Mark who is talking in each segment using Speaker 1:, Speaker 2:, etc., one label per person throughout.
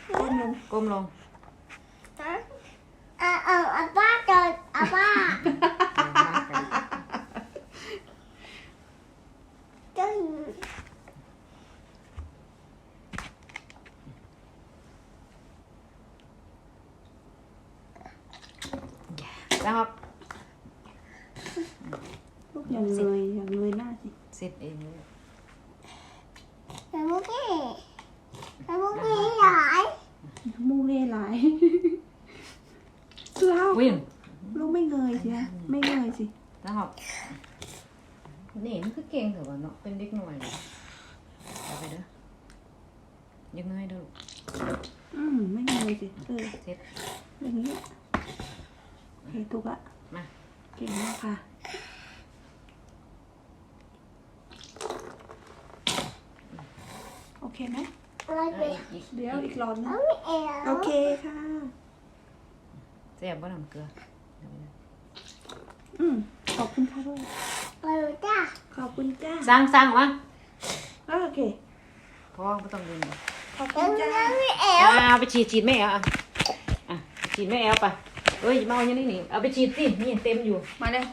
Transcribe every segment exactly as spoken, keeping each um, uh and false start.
Speaker 1: ก้มลงก้มลง
Speaker 2: อ่าเอออาป้าเจออาป้าเจ้า
Speaker 1: นะครับ
Speaker 3: ลูกอย่างเลยอย่างเลยหน้าสิ
Speaker 1: เสร็จเองเลย
Speaker 2: แต่เมื่อกี้แต่เมื่อกี้หลาย
Speaker 3: มูเล่หลายเล่า
Speaker 1: วิ่ง
Speaker 3: ลูกไม่เงยสิฮะไม่เงยสิ
Speaker 1: นะครับนี่มันคือเก่งเถอะวะเนาะเป็นเด็กหน่อยเลยเอาไปเด้อยังไงเด้อ
Speaker 3: อืมไม่เงยสิเออ
Speaker 1: เสร็จ
Speaker 3: อย่างนี้โอเคถูกละ
Speaker 1: มา
Speaker 3: เก่งมากค่ะโอเคไหม
Speaker 2: อะไร
Speaker 1: เอา
Speaker 2: ไป
Speaker 1: อีกอีก
Speaker 3: เดี๋ยวอีกรอบนึง
Speaker 2: เอาไม่เอ๋
Speaker 3: โอเคค่ะ
Speaker 1: แซ่บบ่น้ำเกลือเอาไปเด้อ
Speaker 3: อืมขอบคุณค่ะด้วย
Speaker 2: ไปจ้า
Speaker 3: ขอบคุณจ้า
Speaker 1: สร้างสร้างวะ
Speaker 3: โอเค
Speaker 1: พอไม่ต้องเดินเลย
Speaker 3: ขอบ
Speaker 2: เอ็
Speaker 3: คุณ
Speaker 2: ม
Speaker 3: จ้า
Speaker 2: ยังไม่เอ๋
Speaker 1: อ่าเอาไปฉีดฉีดแม่เอาอ่ะอ่ะฉีดแม่เอาไปเอ้ยมาเอาอย่างนี้นี่เอาไปฉีดสินี่เต็มอยู่
Speaker 3: มาเลย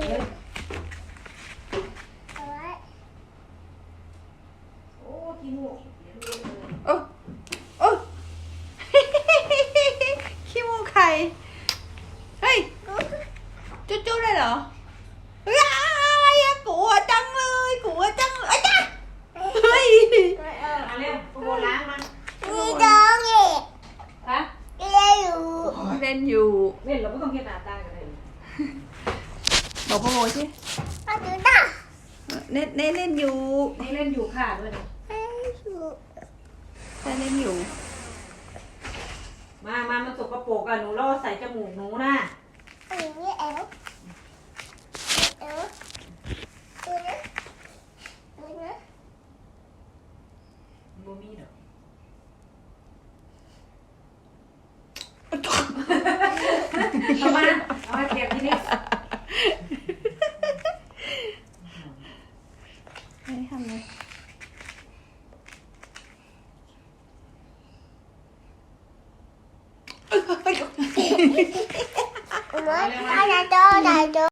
Speaker 2: เอาไว้
Speaker 1: โอ้ขี้มูก
Speaker 3: โอ้โอ้ ขี้มูกไข่เฮ้ยจุ๊จุ๊เลยเหรอว้ายกลัวจังเลยกลัวจังเลยจ้าเฮ้ย
Speaker 1: เอาเร็วพวกโบล้างมา
Speaker 2: มีดองอีก
Speaker 1: ฮะ
Speaker 2: เลี้ยอยู่
Speaker 3: เล่นอยู่
Speaker 1: เล่นเราไม่ต้องเก็บหน้าตากันเลย
Speaker 3: บอกพ่อโมสิ
Speaker 2: มาดูจ้า
Speaker 3: เน่เน่เล่นอยู่
Speaker 1: นี่เล่นอยู่ค่ะด้วยนะ
Speaker 2: ให้อยู่
Speaker 3: เน่เล่นอยู่
Speaker 1: มามามันสกปรกอ่ะหนูล่อใส่จมูกหนูนะ
Speaker 2: อันนี้เอ๋เอ๋ดูนะดูนะ
Speaker 1: โบมีดอกเอามาเอามาเก็บที่นี่
Speaker 3: ไม่ได้ทำเลย
Speaker 2: Nói, ai là cho, đại cho.